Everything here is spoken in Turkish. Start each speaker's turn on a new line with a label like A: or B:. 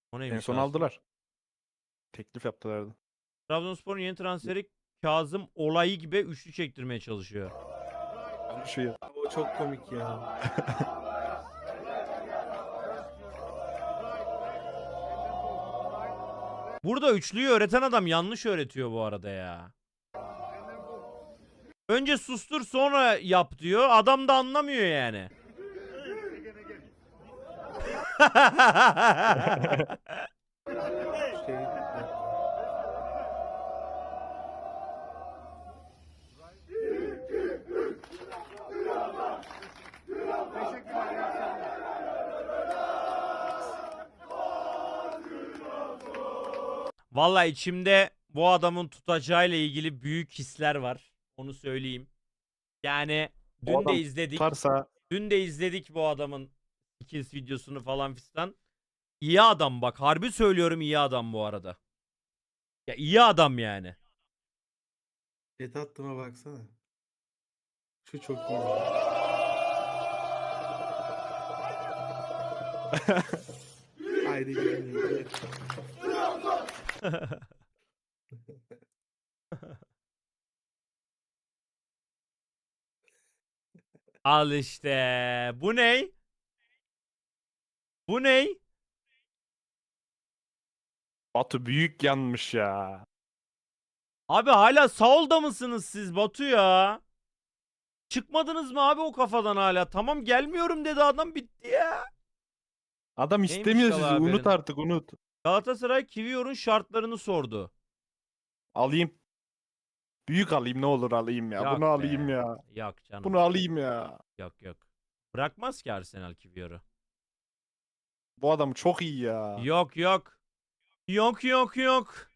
A: O
B: En
A: neymiş
B: son
A: Rasim?
B: aldılar. Teklif yaptılardı.
A: Trabzonspor'un yeni transferi Kazım Olayı gibi üçlü çektirmeye çalışıyor.
B: Şu
C: O çok komik ya.
A: Burada üçlüyü öğreten adam yanlış öğretiyor bu arada ya. Önce sustur sonra yap diyor. Adam da anlamıyor yani.
C: Şey,
A: Vallahi içimde bu adamın tutacağıyla ilgili büyük hisler var. Onu söyleyeyim. Yani
B: O
A: dün de
B: adam
A: izledik.
B: tutarsa
A: Dün de izledik bu adamın skills videosunu falan fistan. İyi adam bak. Harbi söylüyorum iyi adam bu arada. Ya iyi adam yani.
C: et attığıma baksana. Şu çok iyi. Haydi gidelim.
A: Al işte. Bu ney? Bu ney?
B: Batu büyük yanmış ya.
A: Abi hala Saul'da mısınız siz Batu ya? Çıkmadınız mı abi o kafadan hala? Tamam gelmiyorum dedi adam bitti ya.
B: Adam
A: Neymiş
B: istemiyor
A: Kala
B: sizi. Unut
A: haberin?
B: artık unut.
A: Galatasaray Kiwior'un şartlarını sordu.
B: Alayım. Büyük alayım ne olur alayım ya.
A: Yok
B: Bunu alayım
A: be.
B: ya.
A: Yok canım.
B: Bunu alayım ya.
A: Yok yok. Bırakmaz ki Arsenal Kiwior'u.
B: Bu adam çok iyi ya.
A: Yok yok. Yok yok yok.